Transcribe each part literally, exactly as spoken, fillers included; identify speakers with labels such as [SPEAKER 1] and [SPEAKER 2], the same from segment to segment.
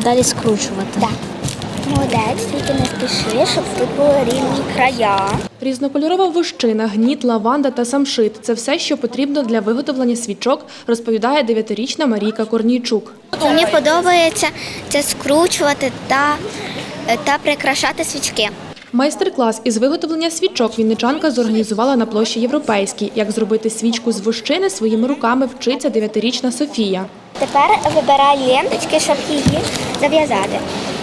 [SPEAKER 1] далі скручувати.
[SPEAKER 2] Так. Молодець, тільки не спіши, щоб тут були рівні края.
[SPEAKER 3] Різнокольорова вощина, гніт, лаванда та самшит – це все, що потрібно для виготовлення свічок, розповідає дев'ятирічна Марійка Корнійчук.
[SPEAKER 2] Мені подобається це скручувати та, та прикрашати свічки.
[SPEAKER 3] Майстер-клас із виготовлення свічок вінничанка зорганізувала на площі Європейській. Як зробити свічку з вощини своїми руками вчиться дев'ятирічна Софія.
[SPEAKER 2] Тепер вибирай ленточки, щоб її зав'язати.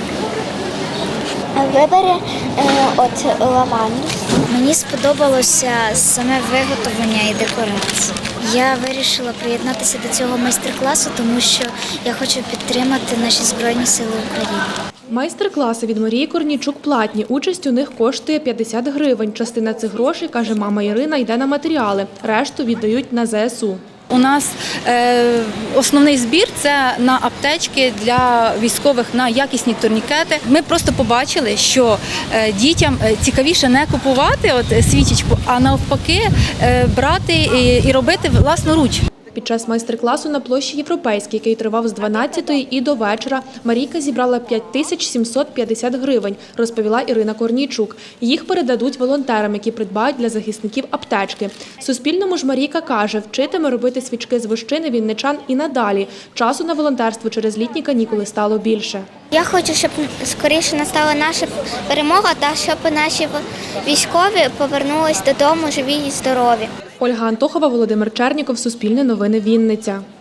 [SPEAKER 2] Вибери е, от лаванду.
[SPEAKER 1] Мені сподобалося саме виготовлення і декорація. Я вирішила приєднатися до цього майстер-класу, тому що я хочу підтримати наші Збройні Сили України.
[SPEAKER 3] Майстер-класи від Марії Корнійчук платні. Участь у них коштує п'ятдесят гривень. Частина цих грошей, каже мама Ірина, йде на матеріали. Решту віддають на зе ес у.
[SPEAKER 4] У нас е, основний збір – це на аптечки для військових, на якісні турнікети. Ми просто побачили, що е, дітям цікавіше не купувати от, свічечку, а навпаки е, брати і, і робити власноруч.
[SPEAKER 3] Під час майстер-класу на площі Європейській, який тривав з дванадцятої і до вечора, Марійка зібрала п'ять тисяч сімсот п'ятдесят гривень, розповіла Ірина Корнійчук. Їх передадуть волонтерам, які придбають для захисників аптечки. Суспільному ж Марійка каже, вчитиме робити свічки з вощини вінничан і надалі. Часу на волонтерство через літні канікули стало більше.
[SPEAKER 2] Я хочу, щоб скоріше настала наша перемога та щоб наші військові повернулись додому живі і здорові.
[SPEAKER 3] Ольга Антохова, Володимир Черніков, Суспільне новини, Вінниця.